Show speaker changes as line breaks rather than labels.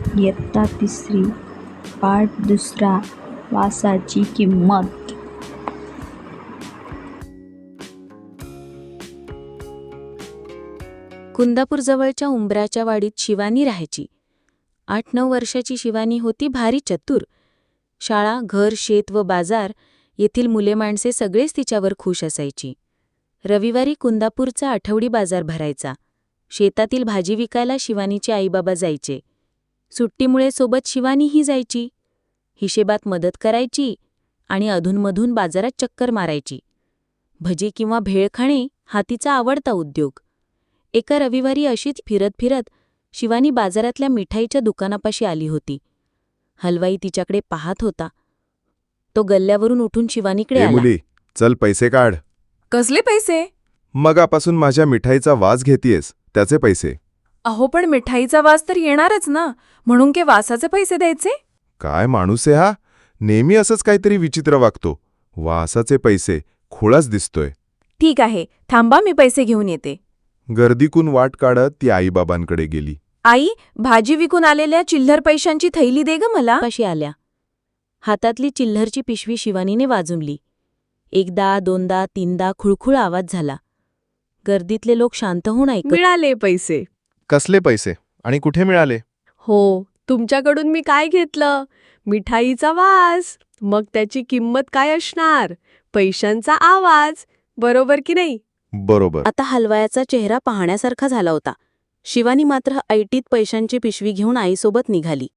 इयत्ता तिसरी, पाठ दुसरा, वासाची किंमत.
कुंदापूरजवळच्या उंबराच्या वाडीत शिवानी राहायची. 8-9 वर्षाची शिवानी होती भारी चतुर. शाळा, घर, शेत व बाजार येथील मुले माणसे सगळेच तिच्यावर खुश असायची. रविवारी कुंदापूरचा आठवडी बाजार भरायचा. शेतातील भाजी विकायला शिवानीचे आईबाबा जायचे. सुट्टीमुळे सोबत शिवानीही जायची. हिशेबात मदत करायची आणि अधूनमधून बाजारात चक्कर मारायची. भजी किंवा भेळ खाणे हा तिचा आवडता उद्योग. एका रविवारी अशीच फिरत फिरत शिवानी बाजारातल्या मिठाईच्या दुकानापाशी आली होती. हलवाई तिच्याकडे पाहत होता. तो गल्ल्यावरून उठून शिवानीकडे
ए
आला.
मुली, चल पैसे काढ.
कसले पैसे?
मगापासून माझ्या मिठाईचा वास घेतीयस, त्याचे पैसे.
अहो पण मिठाईचा वास तर येणारच ना, म्हणून के वासाचे पैसे द्यायचे?
काय माणूस आहे हा, नेहमी असंच काहीतरी विचित्र वागतो. वासाचे पैसे, खोळाच दिसतोय.
ठीक आहे, थांबा, मी पैसे घेऊन येते.
गर्दीकून वाट काढत ती आईबाबांकडे गेली.
आई, भाजी विकून आलेल्या चिल्लर पैशांची थैली दे ग मला.
पाशी आल्या. हातातली चिल्लरची पिशवी शिवानीने वाजवली. एकदा, दोनदा, तीनदा खुळखुळ आवाज झाला. गर्दीतले लोक शांत होऊन ऐकत.
मिळाले पैसे.
कसले पैसे आणि कुठे मिळाले?
हो, तुमच्याकडून मी काय घेतलं? मिठाईचा वास. मग त्याची किंमत काय असणार? पैशांचा आवाज. बरोबर की नाही?
बरोबर.
आता हलवायाचा चेहरा पाहण्यासारखा झाला होता. शिवानी मात्र ऐटीत पैशांची पिशवी घेऊन आईसोबत निघाली.